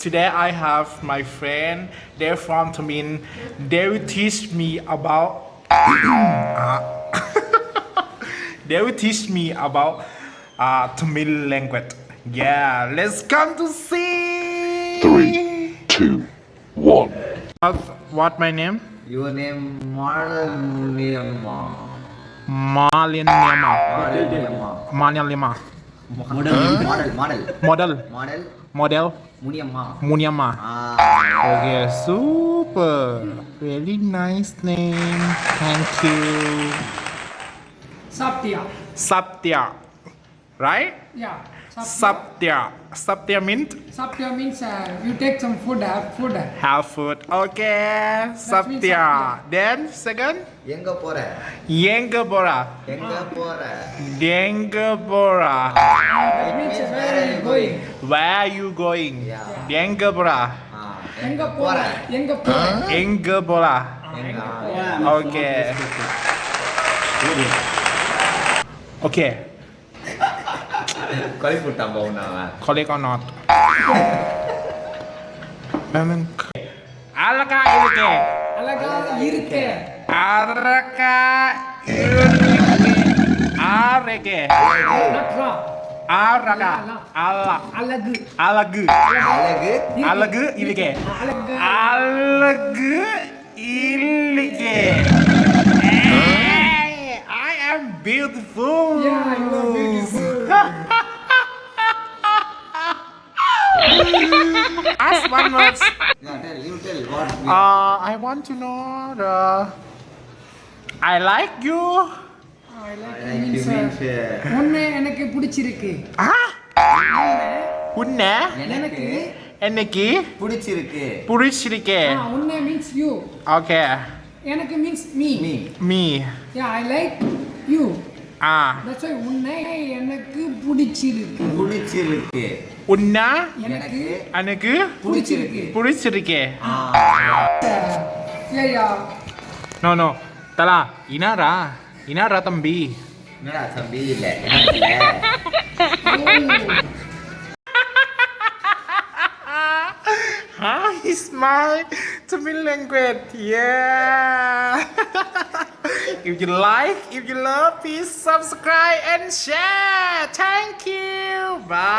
today I have my friend. They're from Tamin. They will teach me about. They will teach me about Tamil language. Yeah, let's come to see. 3, 2, 1. What my name? Your name Marlima. Malinema. Malinema. Model. Model. Muniamma. Munyama. Ah. Okay, super. Very nice name. Thank you. Saptia. Satya. Right? Yeah. Satya. Satya means Saptia means you take some food, have food. have food. Okay. means Satya. Satya. Then second. எங்க போற? Yengabora. எங்க போற? Dengabora. That means where are you going? Where are you going? Yeah. Dengabora. எங்க போற? எங்க போற? Engabora. எங்க? Okay. Okay. Kali putang bau nama. Correct or not? Memang. Alaka ilke. அழகா இருக்க. Alaka ilke. Areke. நட்ரா. Araka. Ala. அழகு. Alagu. அழகு. Alagu ilke. அழகு. Alagu ilke. Hey, I am beautiful. Yeah, you are beautiful. Ask one word. Yeah, you tell what. I want to know the. I like you. I like you Like you means means உன்னை எனக்கு பிடிச்சிருக்கு. Ah? உன்னை எனக்கு என்னைக்கு பிடிச்சிருக்கு. புடிச்சிருக்கே. உன்னை means you. Okay. எனக்கு means me. Me. Me. Yeah, I like you. Ah. That's why உன்னை எனக்கு பிடிச்சிருக்கு. பிடிச்சிருக்கு. உன்னை எனக்கு எனக்கு பிடிச்சிருக்கு. புடிச்சிருக்கே. yeah, yeah. No, no. Tala, inara. Inara தம்பி. என்னடா தம்பி இல்ல. எனக்கு இல்ல. How is my Tamil language? Yeah. If you like, if you love, please subscribe and share. Thank you. Bye.